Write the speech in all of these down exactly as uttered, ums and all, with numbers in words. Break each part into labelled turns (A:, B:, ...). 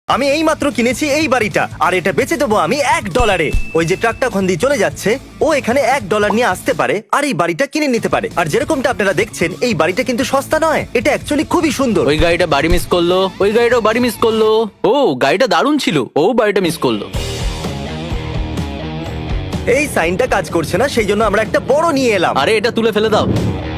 A: আমি এই মাত্র কিনেছি এই বাড়িটা, আর এটা বেচে দেবো আমি এক ডলারে। ওই যে ট্রাকটা ওখান দিয়ে চলে যাচ্ছে, ও এখানে এক ডলার নিয়ে আসতে পারে আর এই বাড়িটা কিনে নিতে পারে। আর যেরকমটা আপনারা দেখছেন, এই বাড়িটা কিন্তু সস্তা নয়, এটা অ্যাকচুয়ালি খুবই সুন্দর।
B: ওই গাড়িটা বাড়ি মিস করলো, ওই গাড়িটাও বাড়ি মিস করলো। ও গাড়িটা দারুণ ছিল, ও বাড়িটা মিস করলো।
A: এই সাইনটা কাজ করছে না, সেই জন্য আমরা একটা বড় নিয়ে এলাম।
B: আরে এটা তুলে ফেলে দাও।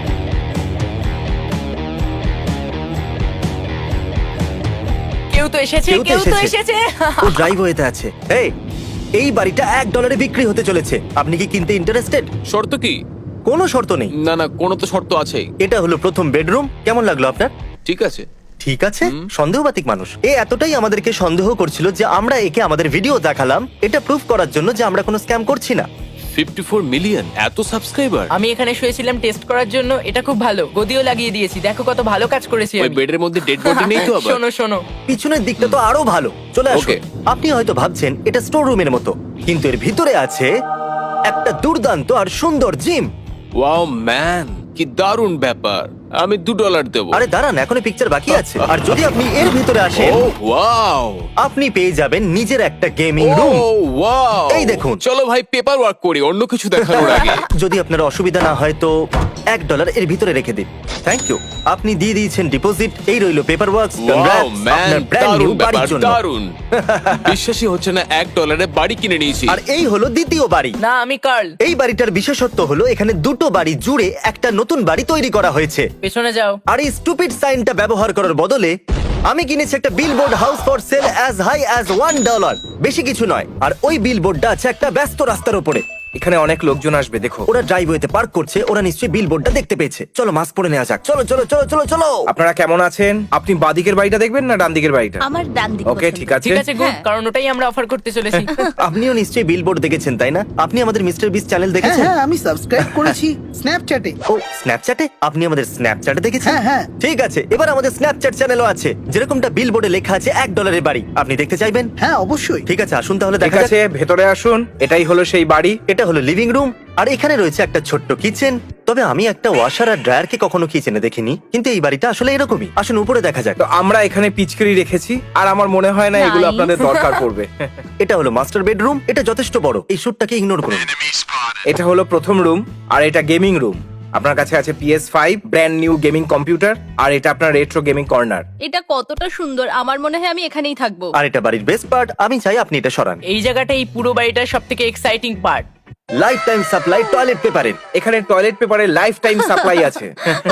C: কেউ তো এসেছে,
A: কেউ তো
C: কেউ তো
A: এসেছে।
C: এসেছে।
A: ও ড্রাইভওয়েতে আছে। এই এই বাড়িটা এক ডলারে বিক্রি হতে চলেছে, আপনি কি কিনতে ইন্টারেস্টেড?
D: শর্ত কি?
A: কোনো শর্ত নেই।
D: না না, কোনো তো শর্ত আছেই।
A: এটা হলো প্রথম বেডরুম, কেমন লাগলো আপনার?
D: ঠিক আছে।
A: ঠিক আছে, সন্দেহবাতিক মানুষ। এ এতটাই আমাদেরকে সন্দেহ করছিল যে আমরা একে আমাদের ভিডিও দেখালাম, এটা প্রুফ করার জন্য যে আমরা কোনো স্ক্যাম করছি না।
D: চুয়াল্লিশ মিলিয়ন এত সাবস্ক্রাইবার।
C: আমি এখানে শুয়েছিলাম টেস্ট করার জন্য, এটা খুব ভালো, গদিও লাগিয়ে দিয়েছি, দেখো কত ভালো কাজ করেছি
D: ওই
C: আমি।
D: বেডের মধ্যে ডেড বডি নেই তো আবার?
C: শোনো শোনো,
A: পিছনের দিকটা তো আরো ভালো। চলে আসুন।
D: Okay.
A: আপনি হয়তো ভাবছেন এটা স্টোর রুমের মতো, কিন্তু এর ভিতরে আছে একটা দুর্দান্ত আর সুন্দর জিম।
D: ওয়াও ম্যান, কি দারুণ ব্যাপার। আমি দু ডলার দেবো।
A: আরে দাঁড়ান, এখনো পিকচার বাকি আছে। আর যদি আপনি এর ভিতরে আসেন,
D: ও ওয়াও,
A: আপনি পেয়ে যাবেন নিজের একটা গেমিং রুম।
D: ও ওয়াও,
A: এই দেখুন।
D: চলো ভাই পেপার ওয়ার্ক করি অন্য কিছু দেখানোর আগে।
A: যদি আপনার অসুবিধা না হয় তো এক ডলার এর ভিতরে রেখে দিন। Thank you. আপনি দিয়ে দিয়েছেন ডিপোজিট, এই রইলো পেপার ওয়ার্কস।
D: ওয়াও ম্যান,
A: আপনার ব্র্যান্ড নিউ
D: দারুণ
A: বাড়ির
D: ব্যাপার,
A: জন্য।
D: দারুণ। বিশ্বাসই হচ্ছে না, এক ডলারে বাড়ি কিনে নিয়েছি।
A: আর এই হলো দ্বিতীয় বাড়ি।
C: না আমি কার্ল।
A: এই বাড়িটার বিশেষত্ব হলো এখানে দুটো বাড়ি জুড়ে একটা নতুন বাড়ি তৈরি করা হয়েছে।
C: পেছনে যাও।
A: আর এই স্টুপিড সাইনটা ব্যবহার করার বদলে আমি কিনেছি একটা billboard, house for sale as high as one dollar. বেশি কিছু নয়। আর ওই বিলবোর্ডটা আছে একটা ব্যস্ত রাস্তার উপরে।
E: এখানে অনেক লোকজন আসবে, দেখো।
A: ওরা ড্রাইভওয়েতে পার্ক করছে, ওরা নিশ্চয়ই বিলবোর্ডটা দেখতে পেয়েছে। চলো মাস্ক পরে নেওয়া যাক। চলো চলো চলো চলো চলো।
E: আপনারা কেমন আছেন? আপনি বাদিকের বাড়িটা দেখবেন না ডান দিকের বাড়িটা?
F: আমার ডান দিক
E: ওকে,
F: পছন্দ।
E: ঠিক আছে।
C: ঠিক আছে গুড,
F: হ্যাঁ।
C: কারণ ওটাই আমরা অফার করতে চলেছি।
A: আপনিও নিশ্চয়ই বিলবোর্ড দেখেছেন, তাই না? আপনি আমাদের মিস্টার বিস চ্যানেল
G: হ্যাঁ
A: দেখেছেন?
G: হ্যাঁ আমি সাবস্ক্রাইব করেছি স্ন্যাপচ্যাটে।
A: ও স্ন্যাপচ্যাটে? আপনি আমাদের স্ন্যাপচ্যাটে দেখেছেন?
G: হ্যাঁ, হ্যাঁ।
A: ঠিক আছে, এবার আমাদের স্ন্যাপচ্যাট চ্যানেলও আছে, যেরকমটা বিলবোর্ডে লেখা আছে এক ডলারের বাড়ি। আপনি দেখতে চাইবেন?
G: হ্যাঁ অবশ্যই।
A: ঠিক আছে, আসুন তাহলে
E: ঠিক
A: দেখা
E: আছে,
A: যাক।
E: ভেতরে আসুন। এটাই হলো সেই বাড়ি।
A: এটা হলো লিভিং রুম, আর এখানে রয়েছে একটা ছোট্ট কিচেন। তবে আমি একটা ওয়াশার আর ড্রায়ারকে কখনো কিচেনে দেখিনি, কিন্তু এই বাড়িটা আসলে এরকমই। আসুন উপরে দেখা যাক।
E: তো আমরা এখানে পিচকারি রেখেছি, আর আমার মনে হয় না এগুলো
F: Nice.
E: আপনাদের দরকার পড়বে।
A: এটা হলো মাস্টার বেডরুম, এটা যথেষ্ট বড়। এই শুটটাকে ইগনোর করুন।
E: এটা হলো প্রথম রুম, আর এটা গেমিং রুম। আপনার কাছে আছে P S five, brand new gaming computer, আর এটা আপনার রেট্রো গেমিং কর্নার।
F: এটা কতটা সুন্দর, আমার মনে হয় আমি এখানেই থাকবো।
A: আর এটা বাড়ির বেস্ট পার্ট, আমি চাই আপনি এটা সরান।
C: এই জায়গাটা এই পুরো বাড়িটার সব থেকে exciting part.
A: Lifetime supply toilet পেপারের।
E: এখানে টয়লেট পেপারের লাইফ টাইম সাপ্লাই আছে।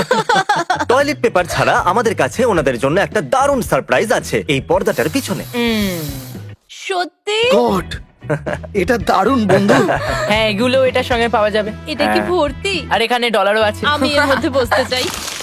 A: টয়লেট পেপার ছাড়া আমাদের কাছে ওনাদের জন্য একটা দারুণ সারপ্রাইজ আছে এই পর্দাটার পিছনে।
F: সত্যি?
G: গড, এটা দারুণ বন্ধু।
C: হ্যাঁ এগুলো এটার সঙ্গে পাওয়া যাবে।
F: এটা কি ভর্তি?
C: আর এখানে ডলারও আছে।
F: আমি এর মধ্যে বসতে চাই।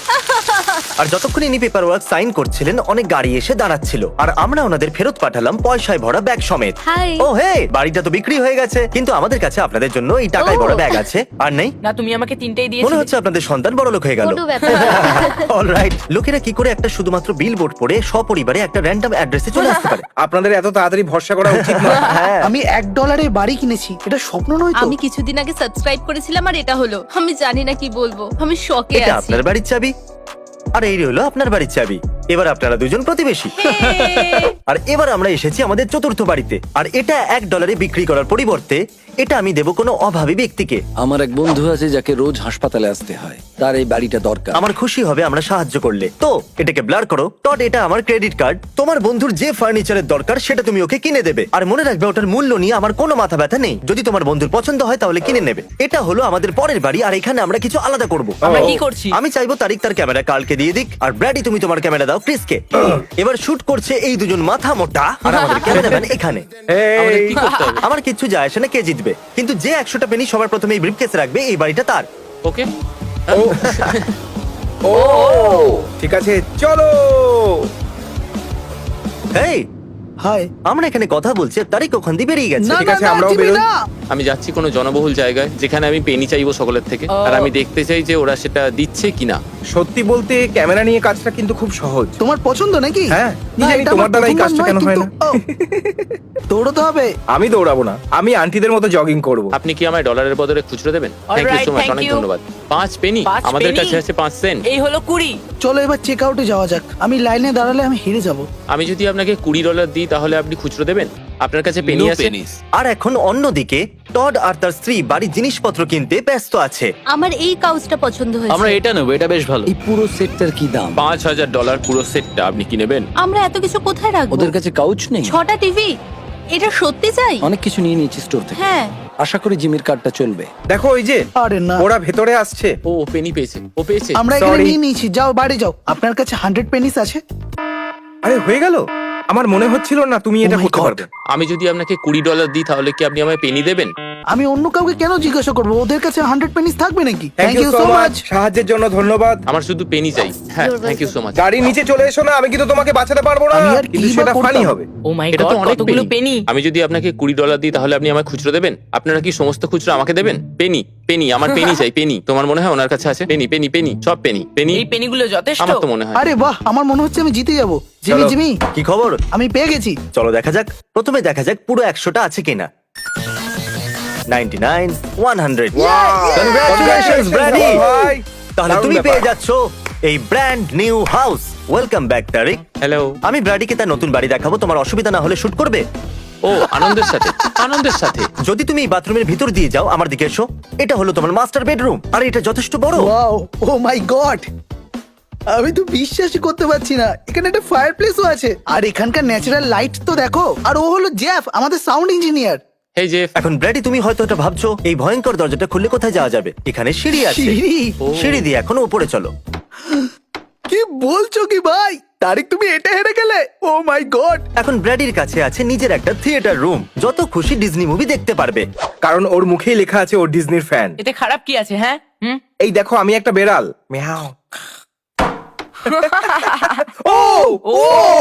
A: আর যতক্ষণ ইনি পেপার ওয়ার্ক সাইন করছিলেন, অনেক গাড়ি এসে দাঁড়াচ্ছিল, আর আমরা ওনাদের ফেরত পাঠালাম পয়সায় ভরা ব্যাগ সমেত।
F: হাই।
A: ও হে, বাড়িটা তো বিক্রি হয়ে গেছে, কিন্তু আমাদের কাছে আপনাদের জন্য এই টাকায়
F: ও।
A: ভরা ব্যাগ আছে। আর নেই?
C: না তুমি আমাকে তিনটেই
A: মনে
C: দিয়েছিলে।
A: হচ্ছে আপনাদের সন্তান বড় লোক হয়ে গেল।
F: কোনো ব্যাপার না।
A: অলরাইট, লোকেরা কি করে একটা শুধুমাত্র বিলবোর্ড পড়ে সপরিবারে একটা র্যান্ডম অ্যাড্রেসে চলে আসতে পারে?
E: আপনাদের এত তাড়াতাড়ি ভরসা করা উচিত নয়।
A: হ্যাঁ,
G: আমি এক ডলারে বাড়ি কিনেছি, এটা স্বপ্ন নয় তো?
F: আমি কিছুদিন আগে সাবস্ক্রাইব করেছিলাম আর এটা হলো, আমি জানি না কি বলবো, আমি শকে
A: এটা
F: আছি।
A: আপনার বাড়ির চাবি, আর এই হলো আপনার বাড়ির চাবি। এবার আপনারা দুজন প্রতিবেশী। আর এবার আমরা এসেছি আমাদের চতুর্থ বাড়িতে, আর এটা এক ডলারে বিক্রি করার পরিবর্তে এটা আমি দেব কোনো অভাবী ব্যক্তিকে।
H: আমার এক বন্ধু আছে যাকে রোজ হাসপাতালে আসতে হয়, তার এই বাড়িটা দরকার।
A: আমার খুশি হবে আমরা সাহায্য করলে। তো এটাকে ব্লার করো। টড, এটা আমার ক্রেডিট কার্ড। তোমার বন্ধুর যে ফার্নিচারের দরকার সেটা তুমি ওকে কিনে দেবে, আর মনে রাখবে ওটার মূল্য নিয়ে আমার কোনো মাথা ব্যথা নেই। যদি তোমার বন্ধুর পছন্দ হয় তাহলে কিনে নেবে। এটা হলো আমাদের পরের বাড়ি, আর এখানে আমরা কিছু আলাদা করব।
C: আমরা কি করছি?
A: আমি চাইবো তারিক তার ক্যামেরা কালকে দিয়ে দিক, আর ব্র্যাডি তুমি তোমার ক্যামেরা দাও ক্রিসকে। এবার শুট করছে এই দুজন মাথা মোটা, আর আমাদের ক্যামেরাম্যান এখানে।
E: এই,
C: কি করতে হবে?
A: আমার কিচ্ছু যায় আসে না কে জিতবে, কিন্তু যে একশোটা পেনি সবার প্রথমে এই ব্রিফকেসে রাখবে, এই বাড়িটা তার।
C: ওকে।
E: ও ও ঠিক আছে, চলো।
A: এই
G: হাই।
A: আমরা এখানে কথা বলছি, তারিক ওখান দিয়ে বেরিয়ে গেছে।
G: না
E: ঠিক
G: না
E: আছে,
G: না
E: আমরাও
G: জিমি
E: বেরোই।
G: না।
D: আমি যাচ্ছি কোনো জনবহুল জায়গায় যেখানে আমি পেনি চাইবো সকলের থেকে,
C: ও।
D: আর আমি দেখতে চাই যে ওরা সেটা দিচ্ছে কিনা।
E: সত্যি বলতে ক্যামেরা নিয়ে কাজটা কিন্তু খুব সহজ।
G: তোমার পছন্দ নাকি?
E: হ্যাঁ, কি
G: না,
E: জানি
G: এটা
E: তোমার
G: আমার
E: দ্বারা এই
G: প্রথমবার
E: কাজটা
G: নয়,
E: কেন হয়
G: কিন্তু-
E: না।
G: ও, দৌড়তে হবে।
E: আমি দৌড়াবো না, আমি আন্টিদের মতো জগিং করব।
D: আপনি কি আমায় ডলারের বদলে খুচরো দেবেন? Thank you
C: Alright,
D: so much,
C: thank
D: অনেক
C: you.
D: ধন্যবাদ। পাঁচ পেনি?
C: পাঁচ
D: আমাদের
C: penny?
D: কাছে আছে পাঁচ সেন্ট।
C: এই হলো কুড়ি।
G: চলো এবার চেক আউটে যাওয়া যাক। আমি লাইনে দাঁড়ালে আমি হেরে যাব।
D: আমি যদি আপনাকে কুড়ি ডলার দিই তাহলে আপনি খুচরো দেবেন? আপনার কাছে পেনি
B: No
D: আছে?
B: pennies.
A: আর এখন অন্যদিকে টড আর তার স্ত্রী বাড়ির জিনিসপত্র কিনতে ব্যস্ত আছে।
F: আমার এই কাউচটা পছন্দ হয়েছে।
B: আমরা এটা নেবো, এটা বেশ ভালো।
H: এই পুরো সেটটার কি দাম?
D: পাঁচ হাজার ডলার পুরো সেটটা, আপনি কি নেবেন?
F: আমরা এত কিছু কোথায় রাখবো?
H: ওদের কাছে কাউচ নেই?
F: ছটা টিভি, এটা সত্যি চাই?
H: অনেক কিছু নিয়ে নিয়েছি স্টোর থেকে।
F: হ্যাঁ।
H: আশা করি জিমির কার্ডটা চলবে।
E: দেখো ওই যে
G: আরে না,
E: ওরা ভেতরে আসছে।
D: ও পেনি পেয়েছে, ও পেয়েছে।
G: আমরা এখানে
E: Sorry.
G: নিয়ে নিয়েছি। যাও বাড়ি যাও। আপনার কাছে হান্ড্রেড পেনিস আছে?
E: আরে হয়ে গেল, আমার মনে হচ্ছিল না তুমি এটা
G: Oh my
E: করতে
G: God.
E: পারবে।
D: আমি যদি আপনাকে কুড়ি ডলার দিই তাহলে কি আপনি আমায় পেনি দেবেন?
G: আমি অন্য কাউকে কেন জিজ্ঞাসা করবো? ওদের কাছে হান্ড্রেড পেনিস থাকবে নাকি?
E: থ্যাংক ইউ সো মাচ, সাহায্যের জন্য ধন্যবাদ।
D: আমার শুধু পেনি চাই। হ্যাঁ,
F: You're
D: thank you so much.
E: গাড়ি নিচে চলে এসো না, আমি কিন্তু তোমাকে বাঁচাতে পারবো না,
G: আমি আর
E: কিন্তু
G: কি বা
E: সেটা
G: করতাম?
E: ফানি হবে।
C: ও মাই
D: এটা
C: গড,
D: তো অনেক
C: কতগুলো পেনি।
D: আমি যদি আপনাকে কুড়ি ডলার দিই তাহলে আপনি আমায় খুচরো দেবেন? আপনারা কি সমস্ত খুচরো আমাকে দেবেন? পেনি, পেনি, আমার পেনি চাই, পেনি। তোমার মনে হয় ওনার কাছে আছে? পেনি, পেনি, পেনি, সব পেনি, পেনি।
C: এই পেনিগুলো যথেষ্ট।
D: আমার তো মনে হয়।
G: আরে বাহ, আমার মনে হচ্ছে আমি জিতে যাবো। জিমি
E: চলো।
G: জিমি,
A: কি খবর?
G: আমি পেয়ে গেছি।
A: চলো দেখা যাক। প্রথমে দেখা যাক পুরো একশোটা আছে কিনা। Ninety nine, one hundred. Congratulations, Brady!
E: ভাই,
A: তাহলে
E: দারুণ
A: তুমি
E: ব্যাপার।
A: পেয়ে যাচ্ছ এই brand new house. Welcome back Tareq.
D: Hello.
A: আমি ব্র্যাডিকে তার নতুন বাড়ি দেখাবো। তোমার অসুবিধা না হলে শুট করবে?
D: ও আনন্দের সাথে, আনন্দের সাথে।
A: যদি তুমি এই বাথরুমের ভিতর দিয়ে যাও, আমার দিকে এসো। এটা হলো তোমার মাস্টার বেডরুম, আর এটা যথেষ্ট বড়।
G: ওয়াও, ও মাই গড, আমি তো বিশ্বাসই করতে পারছি না। এখানে একটা ফায়ার প্লেসও আছে, আর এখানকার ন্যাচারাল লাইট তো দেখো। আর ও হলো জেফ, আমাদের সাউন্ড ইঞ্জিনিয়ার।
D: এই যে
A: এখন ব্র্যাডি, তুমি হয়তো এটা ভাবছো এই ভয়ঙ্কর দরজাটা খুললে কোথায় যাওয়া যাবে? এখানে সিঁড়ি আছে।
G: সিঁড়ি?
A: সিঁড়ি দিয়ে এখন উপরে চলো।
G: কি বলছো কি ভাই? তারিক, তুমি এটা হেরে গেলে? Oh my God.
A: এখন ব্র্যাডির কাছে আছে নিজের একটা থিয়েটার রুম, যত খুশি ডিজনি মুভি দেখতে পারবে।
E: কারণ ওর মুখেই লেখা আছে ও ডিজনির ফ্যান।
C: এতে খারাপ কি আছে? হ্যাঁ, হুম।
E: এই দেখো, আমি একটা বেড়াল। মিয়াও। ও
C: ও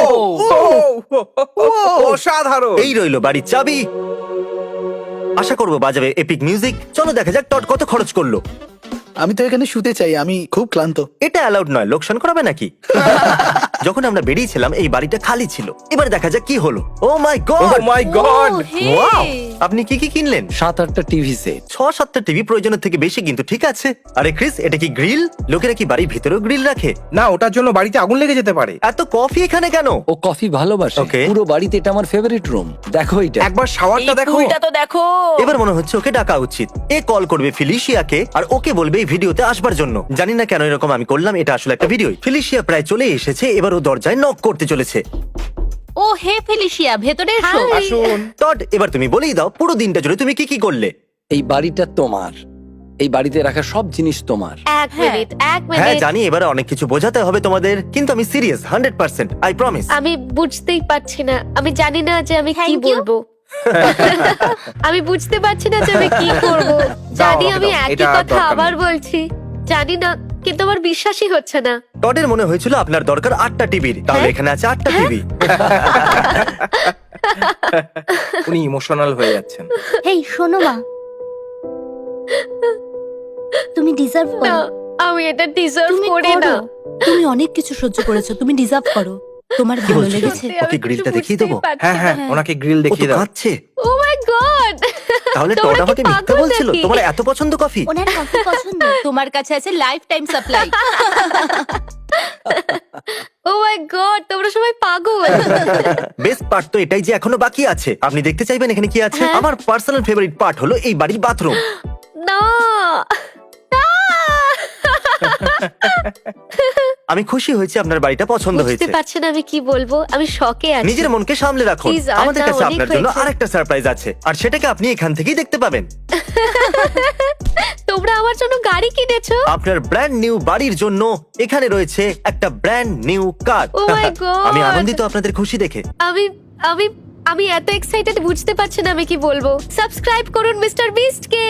E: ও অসাধারণ।
A: এই রইলো বাড়ির চাবি। আশা করবো বাজাবে এপিক মিউজিক। চলো দেখা যাক টড কত খরচ করলো।
G: আমি তো এখানে শুতে চাই, আমি খুব ক্লান্ত।
A: এটা অ্যালাউড নয়, লোকসান করাবে নাকি? যখন আমরা বেরিয়েছিলাম এই বাড়িটা খালি ছিল। এবার দেখা যাক কি হলো। Oh my
E: oh
A: God!
E: My God.
F: Oh, hey.
A: Wow! আপনি কি কি কিনলেন?
H: সাত আটটা টিভি সেট।
A: ছ সাতটা টিভি, প্রয়োজনের থেকে বেশি, কিন্তু ঠিক আছে। আরে ক্রিস, এটা কি গ্রিল? লোকেরা কি বাড়ির ভিতরেও গ্রিল রাখে?
E: না, ওটার জন্য বাড়িতে আগুন লেগে যেতে পারে।
A: এত কফি এখানে কেন?
H: ও কফি ভালোবাসে।
A: Okay.
H: পুরো বাড়িতে এটা আমার ফেভারিট রুম। দেখো এটা।
E: একবার শাওয়ারটা
C: এই
E: দেখো।
C: ফুলটা তো দেখো।
A: এবার মনে হচ্ছে ওকে ডাকা উচিত। এ কল করবে ফিলিশিয়াকে আর ওকে বলবে এই ভিডিওতে আসবার জন্য। জানি না কেন এরকম আমি করলাম, এটা আসলে একটা ভিডিও। ফিলিশিয়া প্রায় চলে এসেছে, এবার ও দরজায় নক করতে চলেছে।
F: ও হে ফেলিশিয়া, ভেতরে এসো।
E: আসুন।
A: টড, এবার তুমি বলেই দাও পুরো দিনটা জুড়ে তুমি কি কি করলে।
H: এই বাড়িটা তোমার। এই বাড়িতে রাখা সব জিনিস তোমার।
F: এক মিনিট, এক
A: হ্যাঁ
F: মিনিট।
A: জানি, এবারে অনেক কিছু বোঝাতে হবে তোমাদের, কিন্তু আমি serious, hundred percent, I promise.
I: আমি বুঝতেই পারছি না, আমি জানি না যে আমি কি
F: Thank you.
I: বলবো। আমি বুঝতে পারছি না যে আমি কি করব। জানি
E: আমাকে
I: আমি
E: দাও,
I: একই
E: এটা
I: কথা
E: দরকার
I: আবার
E: নেই।
I: বলছি, জানি না, কিন্তু আমার বিশ্বাসই হচ্ছে না।
A: টডের মনে হয়েছিল আপনার দরকার আটটা টিভির, তাহলে এখানে আছে আটটা টিভি।
E: উনি ইমোশনাল হয়ে যাচ্ছেন।
F: হেই শোনো মা, তুমি ডিজার্ভ
I: না,
F: করো।
I: আমি এটা ডিজার্ভ
F: তুমি
I: করি না।
F: করো। তুমি অনেক কিছু সহ্য করেছো, তুমি ডিজার্ভ করো। তোমার
A: কি
F: ভালো
A: বলছো?
F: লেগেছে?
I: সত্যি
A: ওকে
I: আমি
A: গ্রিলটা
I: কিছু
A: দেখিয়ে
I: বুঝতেই
A: দেবো?
I: পারছি
E: হ্যাঁ হ্যাঁ,
I: না।
E: ওনাকে গ্রিল
A: ও তো
E: দেখিয়ে দাও।
A: কাঁদছে।
I: ও মাই গড।
A: তাহলে টড আমাকে মিথ্যা বলছিল? তোমার এত পছন্দ কফি?
F: ওনার কফি পছন্দ। তোমার কাছে আছে lifetime supply.
I: Oh my God, তোমরা সবাই পাগল।
A: বেস্ট পার্ট তো এটাই যে এখনো বাকি আছে। আপনি দেখতে চাইবেন এখানে কি আছে?
I: হ্যাঁ।
A: আমার পার্সোনাল ফেভারিট পার্ট হলো এই বাড়ির বাথরুম।
I: না, না।
A: আমি খুশি হয়েছি আপনার বাড়িটা পছন্দ
I: বুঝতে
A: হয়েছে।
I: পারছি না আমি কি বলবো, আমি শকে আছি।
A: নিজের মনকে সামলে রাখুন।
I: Please, আর
A: আমাদের
I: না,
A: কাছে
I: অনেক
A: আপনার জন্য
I: হয়েছে।
A: আরেকটা সারপ্রাইজ আছে, আর সেটাকে আপনি এখান থেকেই দেখতে পাবেন।
I: তোমরা আমার জন্য গাড়ি কিনেছো?
A: আপনার ব্র্যান্ড নিউ বাড়ির জন্য এখানে রয়েছে একটা brand new car.
I: Oh my God!
A: আমি আনন্দিত আপনাদের খুশি দেখে।
I: আমি আমি আমি এত এক্সাইটেড, বুঝতে পারছি না আমি কি বলবো। সাবস্ক্রাইব করুন মিস্টার বিস্ট কে।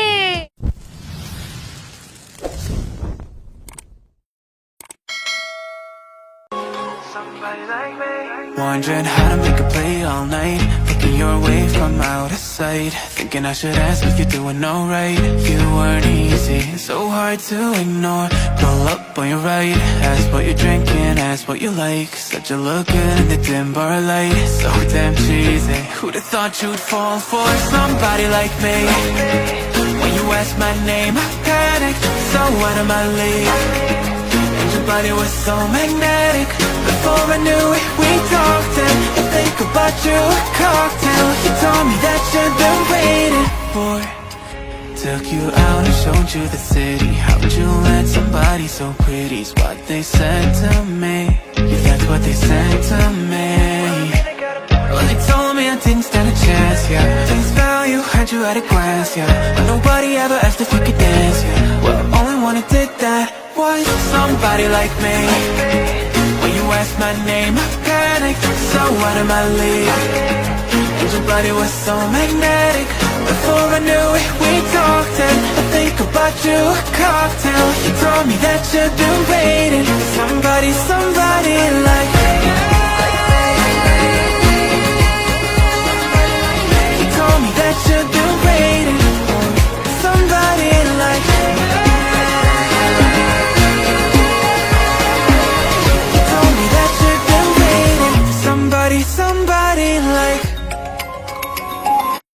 J: Wondering how to make a play all night. Picking your away from out of sight. Thinking I should ask if you're doing alright. You weren't easy, so hard to ignore. Pull up on your right, ask what you're drinking, ask what you like. Said you look good in the dim bar light, so damn cheesy. Who'd have thought you'd fall for somebody like me? When you asked my name, I panicked, so out of my league. And your body was so magnetic. Before I knew it, we talked and I think about you a cocktail. You told me that you've been waiting for. Took you out and showed you the city. How'd you let somebody so pretty's what they said to me? Yeah, that's what they said to me. Well, they told me I didn't stand a chance, yeah. Face value, had you at a glance, yeah. But nobody ever asked if you could dance, yeah. Well, only one who did that was somebody like me. When you asked my name, I panicked, so out of my league. And your body was so magnetic. Before I knew it, we talked and I think about you a cocktail. You told me that you've been waiting for somebody, somebody like me.